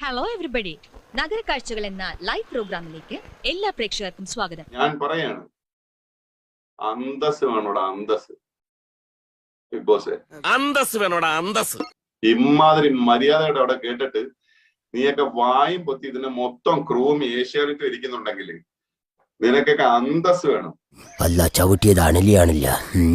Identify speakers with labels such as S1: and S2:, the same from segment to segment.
S1: Hello everybody, നഗരക്കാഴ്ചകൾ എന്ന live പ്രോഗ്രാമിലേക്ക് എല്ലാ പ്രേക്ഷകർക്കും സ്വാഗതം.
S2: ഞാൻ പറയാണ്, അന്തസ് വേണോടാ, അന്തസ്. ബിഗ് ബോസ്
S3: അന്തസ് വേണോടാ, അന്തസ്.
S2: ഇമാതിരി മര്യാദയുടെ അവിടെ കേട്ടിട്ട് നീയൊക്കെ വായും പൊത്തി ഇതിനെ മൊത്തം ക്രൂവും ഏഷ്യാനെറ്റും ഇരിക്കുന്നുണ്ടെങ്കിൽ നിനക്കൊക്കെ അന്തസ് വേണം.
S4: അല്ല ചവിട്ടിയതാണില്ല.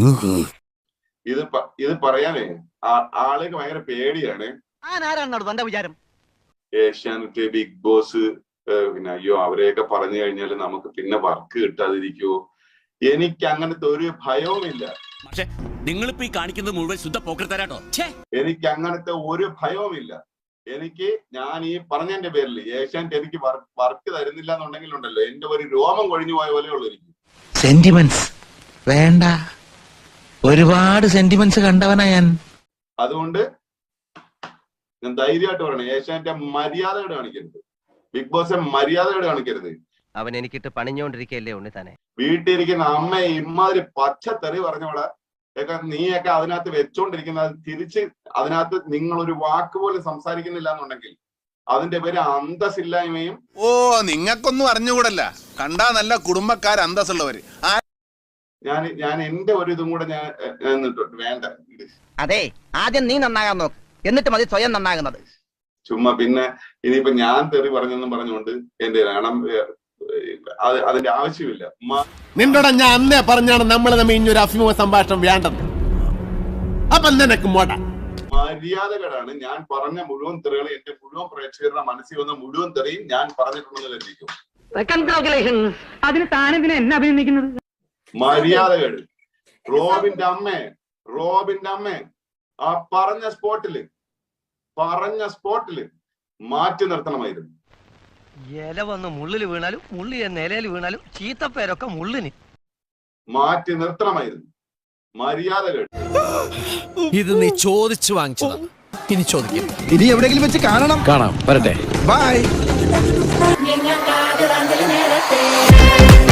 S2: ഇത് പറയാനേ ആളുകൾക്ക് ഭയങ്കര പേടിയാണ്.
S5: വിചാരം
S2: ഏഷ്യാനെറ്റ്, ബിഗ് ബോസ്, പിന്നെ അയ്യോ അവരെയൊക്കെ പറഞ്ഞു കഴിഞ്ഞാൽ നമുക്ക് പിന്നെ വർക്ക് കിട്ടാതിരിക്കുവോ? എനിക്ക് അങ്ങനത്തെ ഒരു ഭയവുമില്ല.
S3: പക്ഷേ നിങ്ങളിപ്പോ ഈ കാണിക്കുന്നത് മുഴുവൻ ശുദ്ധ പോക്കർത്തരാട്ടോ.
S2: എനിക്ക് അങ്ങനത്തെ ഒരു ഭയവുമില്ല. എനിക്ക് ഞാൻ ഈ പറഞ്ഞതിന്റെ പേരിൽ ഏഷ്യാനെറ്റ് എനിക്ക് വർക്ക് തരുന്നില്ല എന്നുണ്ടെങ്കിൽ ഉണ്ടല്ലോ, എന്റെ ഒരു രോമം കൊഴിഞ്ഞു പോയ പോലെ ഉള്ളു എനിക്ക്.
S6: സെന്റിമെന്റ്സ് വേണ്ട, ഒരുപാട് സെന്റിമെന്റ്സ് കണ്ടവനാ ഞാൻ.
S2: അതുകൊണ്ട് ഞാൻ ധൈര്യമായിട്ട് പറയണേ, ഏഷ്യാനെറ്റ് മര്യാദയോടെ കാണിക്കരുത്, ബിഗ് ബോസ് മര്യാദയോടെ കാണിക്കരുത്.
S5: അവൻ എനിക്കിട്ട് പണിഞ്ഞോണ്ടിരിക്കല്ലേ ഉണ്ണി തന്നെ.
S2: വീട്ടിലിരിക്കുന്ന അമ്മയെ ഇമാതിരി പച്ചത്തെറി പറഞ്ഞവളെ ഒക്കെ നീയൊക്കെ അതിനകത്ത് വെച്ചോണ്ടിരിക്കുന്നത്, തിരിച്ച് അതിനകത്ത് നിങ്ങൾ ഒരു വാക്ക് പോലും സംസാരിക്കുന്നില്ല എന്നുണ്ടെങ്കിൽ അതിന്റെ പേര് അന്തസ്സില്ലായ്മയും.
S7: ഓ, നിങ്ങൾക്കൊന്നും അറിഞ്ഞുകൂടല്ല, കണ്ടാ നല്ല കുടുംബക്കാർ അന്തസ്സുള്ളവര്.
S2: ഞാൻ എന്റെ ഒരു ഇതും കൂടെ ഞാൻ വേണ്ട.
S5: അതെ, ആദ്യം നീ നന്നാകാൻ നോക്ക്, എന്നിട്ട് മതി സ്വയം നന്നാകുന്നത്.
S2: ചുമ്മാ പിന്നെ ഇനിയിപ്പോ ഞാൻ തെറി പറഞ്ഞെന്നും പറഞ്ഞുകൊണ്ട് എന്റെ അതിന്റെ ആവശ്യമില്ല.
S8: നിന്നോട് ഞാൻ അന്നേ പറഞ്ഞാണ് നമ്മൾ തമ്മിൽ ഇനിയൊരു അഭിമുഖ സംഭാഷണം വേണ്ടെന്ന്. അപ്പൊ നിനക്ക്
S2: മര്യാദകളാണ്. ഞാൻ പറഞ്ഞ മുഴുവൻ തെറികൾ എന്റെ മുഴുവൻ പ്രേക്ഷകരുടെ മനസ്സിൽ വന്ന മുഴുവൻ തെറിയും ഞാൻ പറഞ്ഞിട്ടുണ്ടെന്ന് കരുതിക്കും.
S5: അതിന് താനെന്തിനാ എന്നെ അഭിനന്ദിക്കുന്നത്?
S2: മര്യാദകൾ. റോബിന്റെ അമ്മ ആ പറഞ്ഞ സ്പോട്ടില് മാറ്റി നിർത്തണമായിരുന്നു.
S5: ഇല വന്ന് മുള്ളില് വീണാലും മുള്ളി നിലയിൽ വീണാലും ചീത്തപ്പേരൊക്കെ മുള്ളിന്
S2: മാറ്റി നിർത്തണമായിരുന്നു. മര്യാദകൾ.
S3: ഇത് നീ ചോദിച്ചു വാങ്ങിച്ചതാ, ഇനി ചോദിക്കും.
S6: ഇനി എവിടെയെങ്കിലും വെച്ച് കാണാം.
S8: വരട്ടെ.
S6: ബൈ.